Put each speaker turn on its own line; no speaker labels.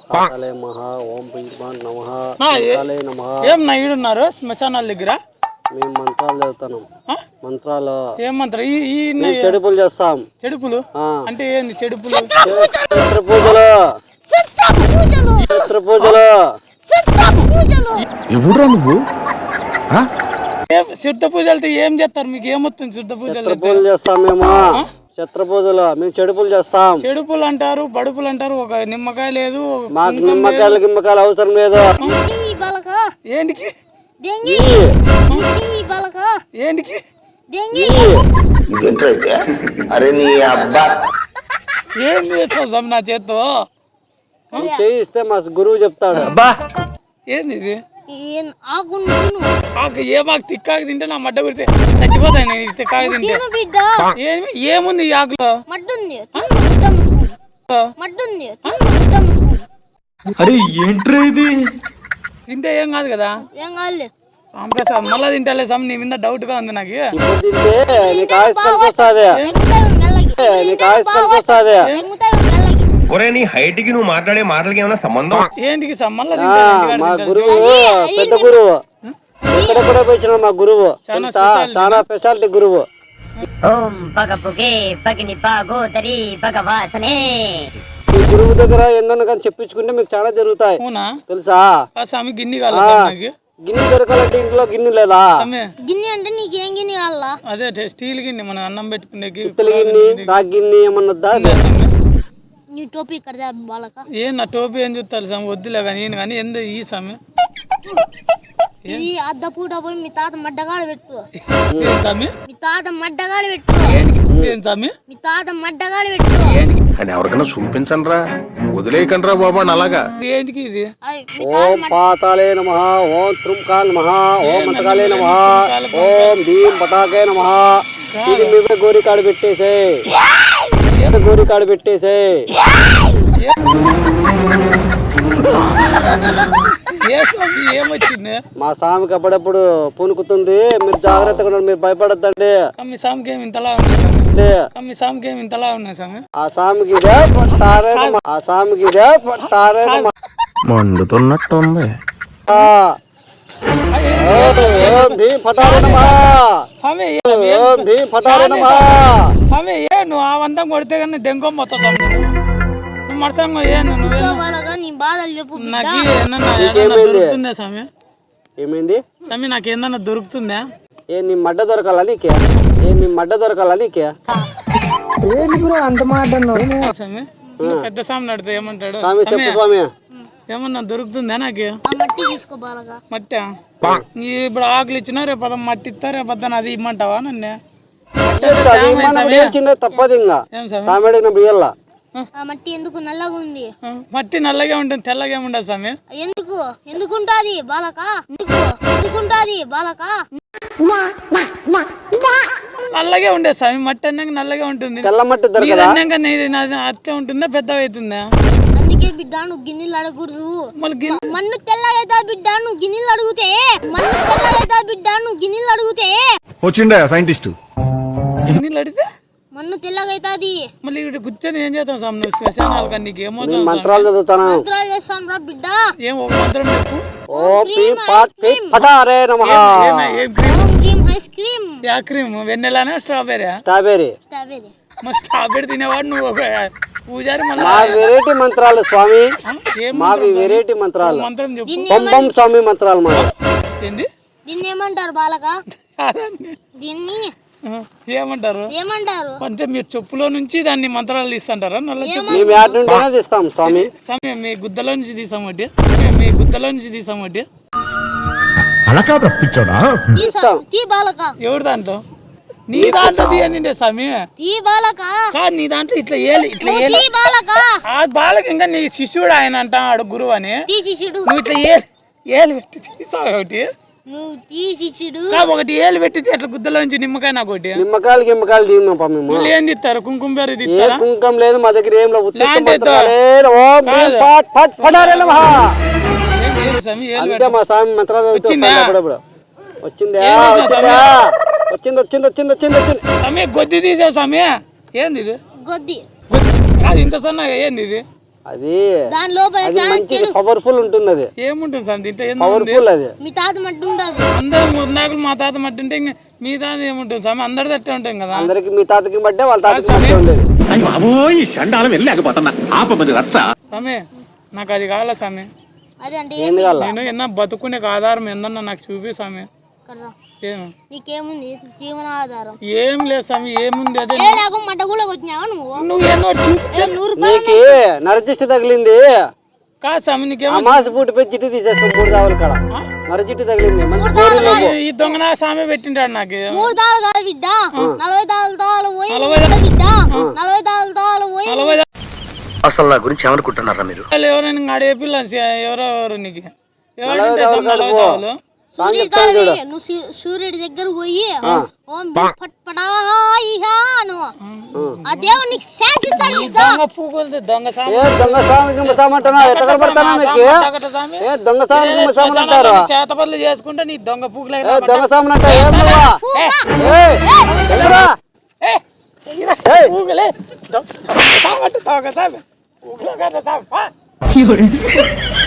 కాలే నమః ఓం భీమాన్ నమః కాలే నమః.
ఏం నా ఈడున్నారు శ్మశానాల దగ్గర?
మేము మంత్రాలు చదువుతున్నాం. మంత్రాలు
ఏం మంత్రం?
చెడుపులు చేస్తాం.
చెడుపులు అంటే ఏంది? చెడుపులు
చిత్ర పూజలు చిత్ర పూజలు.
ఎవరురా నువ్వు?
సిద్ధ పూజలతో ఏం చేస్తారు? మీకు ఏమొస్తుంది సిద్ధ పూజలు?
పూజలు చేస్తాం మేము. చిత్ర పూజలు మేము చెడుపులు చేస్తాం.
చెడుపులు అంటారు, బడుపులు అంటారు. ఒక నిమ్మకాయ లేదు,
మాకు నిమ్మకాయలు అవసరం లేదు.
ఏంటికి ఏంటికి
అరే నీ అబ్బా
ఏం చేస్తాం నా చేత్తో?
చేయిస్తే మా గురువు చెప్తాడు.
ఏంది ఇది? ఆకు ఏమాకు తిక్కాకు తింటే నా మడ్డ గురించి చచ్చిపోతాయి. నేను తిక్కాకు తింటే ఏముంది ఈ ఆకులో?
అరే ఏంట్రా ఇది?
తింటే ఏం కాదు కదా?
ఏం కాదులే.
సాంప్రసాద్ మళ్ళా తింటాలే సమ్. నీ మీద డౌట్ గా ఉంది నాకు.
తింటే నీకు ఆయుష్ కలిసి వస్తుంది. నీకు ఆయుష్ కలిసి వస్తుంది.
ఒరే నీ హైట్ కి నువ్వు మాట్లాడే మాటలకి ఏమైనా సంబంధం?
ఏంటికి మళ్ళా
మా గురువు పెద్ద గురువు ఎక్కడెక్కడ పోయిన మా గురువు చాలా స్పెషాలిటీ గురువు.
ఓం పగపుకే పగిని పాగోదరి భగవాసనే.
ఈ గురువు దగ్గర ఏందన్నా కానీ చెప్పించుకుంటే మీకు చాలా జరుగుతాయి తెలుసా?
స్వామి గిన్నె కావాలి.
గిన్నె దొరకాలంటే ఇంట్లో గిన్నె లేదా?
గిన్నె అంటే నీకేం గిన్నె కావాలా?
అదే స్టీల్ గిన్నె, మనం అన్నం పెట్టుకునే
పిత్తల గిన్నె, రాగి గిన్నె ఏమన్నదా?
నీ టోపీ ఇక్కడ బాలక.
ఏం నా టోపీ ఏం చూస్తారు స్వామి? వద్దులే కానీ నేను కానీ ఎందు ఈ స్వామి
ఇది అద్దపూట పోయి మీ తాత మడ్డగాడు పెట్టు.
స్వామి
మీ తాత మడ్డగాడు పెట్టు.
ఏం స్వామి?
మీ తాత మడ్డగాడు పెట్టు
అని ఎవరికైనా చూపించండి రా, వదిలేయకండి రా బాబా. అలాగా
ఏంటికి ఇది?
ఓం పాతాళే నమః ఓం త్రుంకాల్ నమః ఓం మంతకాలే నమః ఓం భీం పతాకే నమః. ఇది మీద గోరి కాడు పెట్టేసే, గోరి కాడు పెట్టేసే.
ఏమొచ్చింది?
మా స్వామికి అప్పుడప్పుడు పూనుకుతుంది. మీరు జాగ్రత్తగా ఉండండి, మీరు భయపడద్దండి.
మీ స్వామికి ఏమి ఇంతలా ఉన్నాయి? మీ స్వామికి ఏమి ఇంతలా ఉన్నాయి స్వామి?
ఆ స్వామికి ఇదే పట్టారే నమః. ఆ స్వామికి ఇదే పట్టారే నమః.
మండుతున్నట్టుంది.
ఓం భీం పటారే నమః.
స్వామి
ఓం భీం పటారే నమః.
స్వామి ఏ నువ్వు ఆ వంతం కొడితే కానీ దెంగం మొత్తం నువ్వు మరసంగా ఏ
నీ బాధలు చెప్పు.
నాకు ఏమన్నా దొరుకుతుందా స్వామి?
ఏమైంది
స్వామి? నాకు ఏమన్నా దొరుకుతుందా?
ఏ నీ మడ్డ దొరకాలా నీకే? ఏ నీ మడ్డ దొరకాలా నీకే?
అంత మాట స్వామి. పెద్ద స్వామి నడితే ఏమంటాడు?
స్వామి చెప్పు స్వామి.
ఏమన్నా దొరుకుతుందా నాకు?
మట్టి తీసుకో బాలగా.
మట్టా? ఇప్పుడు ఆకులు ఇచ్చినా రేపు అద మట్టి ఇస్తా, రేపు అద్దాను అది ఇమ్మంటావా నన్ను?
తప్పదు ఇంకా స్వామి అడిగినప్పుడు ఇయ్యాల.
ఆ మట్టి ఎందుకు నల్లగా ఉంది?
మట్టి నల్లగా ఉంటుంది, తెల్లగా ఉండదు స్వామి.
ఎందుకు ఎందుకుంటాది బాలక? ఎందుకుంటాది బాలక?
నల్లగా ఉండే స్వామి. మట్టి అన్నాక నల్లగా ఉంటుంది.
తెల్ల మట్టి
అట్లే ఉంటుందా, పెద్దగా అవుతుందా?
అందుకే బిడ్డ నువ్వు గిన్నెలు అడగకూడదు. మన్ను తెల్లగా అవుతా బిడ్డ నువ్వు గిన్నెలు అడిగితే. మన్ను తెల్లగా అవుతా బిడ్డ నువ్వు గిన్నెలు అడిగితే.
వచ్చిండే సైంటిస్ట్.
గిన్నెలు అడిగితే
మన్ను తెల్లగా అవుతాది.
మళ్ళీ ఇక్కడ కూర్చొని ఏం చేస్తాం స్వామి? నువ్వు శ్మశానాలు కానీ నీకు ఏమో
మంత్రాలు చదువుతాను.
మంత్రాలు చేస్తాం రా బిడ్డ.
ఏం ఒక మంత్రం చెప్పు.
ఓం భీం పటారే నమః.
ఏం క్రీమ్?
ఓం క్రీమ్ ఐస్ క్రీమ్.
యా క్రీమ్? వెన్నెలానా స్ట్రాబెరీ?
స్ట్రాబెరీ.
స్ట్రాబెరీ.
మరి స్ట్రాబెరీ తినేవాడు నువ్వు ఒక పూజారి.
మా వెరైటీ మంత్రాలు స్వామి, మావి వెరైటీ మంత్రాలు.
మంత్రం చెప్పు.
పంపం స్వామి మంత్రాలు మా.
ఏంది?
దీన్ని ఏమంటారు బాలక? దీన్ని
ఏమంటారు?
ఏమంటారు
అంటే మీరు చెప్పులో నుంచి దాన్ని మంత్రాలు తీస్తుంటారా? నల్ల చెప్పు.
మేము యాడ్ నుండినే తీస్తాం స్వామి.
స్వామి మీ గుద్దలో నుంచి తీసామట్టి, మీ గుద్దలో నుంచి తీసామట్టి.
అలా కాదు రప్పించాడా?
తీ బాలక.
ఎవరు దాంట్లో? నీ దాంట్లో తీయండి స్వామి.
తీ బాలక.
కాదు నీ దాంట్లో ఇట్లా ఏలి, ఇట్లా ఏలి. ఆ బాలక ఇంకా నీ శిష్యుడు ఆయన అంటాడు గురువు అని. నువ్వు ఇట్లా ఏలు పెట్టి తీసావు ఒకటి.
నువ్వు తీ శిష్యుడు.
ఒకటి ఏలు పెట్టితే అట్లా గుద్దలోంచి నిమ్మకాయ నాకు ఒకటి.
నిమ్మకాయలు తీన్నాం మేము.
ఏం తీస్తారు? కుంకుమ పేరు తీస్తారా?
కుంకుమ లేదు మా దగ్గర. ఏం లేదు. అంతే మా స్వామి మంత్రాలు వచ్చిందా? వచ్చింది వచ్చింది వచ్చింది వచ్చింది వచ్చింది వచ్చింది.
స్వామి గొద్ది తీసావు స్వామి. ఏంది ఇది?
గొద్ది.
అది ఇంత సన్నగా ఏంది ఇది?
అది
దాని లోపల
అది
చాలా
మంచిది, పవర్ఫుల్ ఉంటుంది. అది
ఏముంటుంది సార్ దీంట్లో ఏంది
పవర్ఫుల్. అది
మీ తాత మట్టి ఉండదు.
అందరు ముద్దాకులు మా తాత మట్టి ఉంటే ఇంకా మీ తాత ఏముంటుంది స్వామి, అందరి తట్టే ఉంటాం కదా.
అందరికి మీ తాతకి బట్టే వాళ్ళ తాతకి బట్టే ఉండేది.
బాబోయ్ చండాలం వెళ్ళలేకపోతున్నా ఆపమని రచ్చ.
స్వామి నాకు అది కావాలా స్వామి,
అదే అంటే
ఏంది కావాలా?
నేను ఎన్న బతుకునే ఆధారం ఏందన్నా నాకు చూపి స్వామి.
కర్రా.
ఏమి
నీకేముంది జీవనాధారం?
ఏం లేదు స్వామి, ఏముంది అదే
ఏ లేక మట్ట కూడా వచ్చినావా నువ్వు?
నువ్వు ఎన్నో చూపి
100 రూపాయలు
నీకి నరజిష్టి తగిలింది.
కాదు స్వామి, నీకేమో
అమాసి పూట పోయి చిట్టి తీసేసుకో 3 దావులు కాడ నరజిట్టి తగిలింది. మంచి గోరీలోపు
ఈ దొంగ నా స్వామి పెట్టింటాడు నాకు.
3 దాలు కాదు బిడ్డ, 40 దాలు పోయి
40
బిడ్డ, 40 దాలు పోయి
40
అసలు నా గురించి ఏమనుకుంటున్నారా మీరు?
ఎవరైనా అడిగే పిల్ల ఎవరెవరు నీకు
40 దావులు కాడ పో.
ఎవరు
సాంగ్ చెప్తాను చూడు.
నువ్వు సూర్యుడి దగ్గర పోయి ఓం పట్పడాను ఆ దేవుడు నీకు శాంతిస్తాడు బిడ్డ.
దొంగ పూకులు దొంగ స్వామి.
ఏ దొంగ స్వామికి ముసామంటున్నా ఎట్లా కనపడతానా మీకు? ఏ దొంగ స్వామికి ముసామంటారు?
చేత పనులు చేసుకుంటే నీ దొంగ పూకులే
ఏ దొంగ స్వామిని అంట ఏం నువ్వా? ఏయ్, ఎల్లురా. ఏయ్,
పూకులే దొంగ స్వామి. పూకులే కదా స్వామి.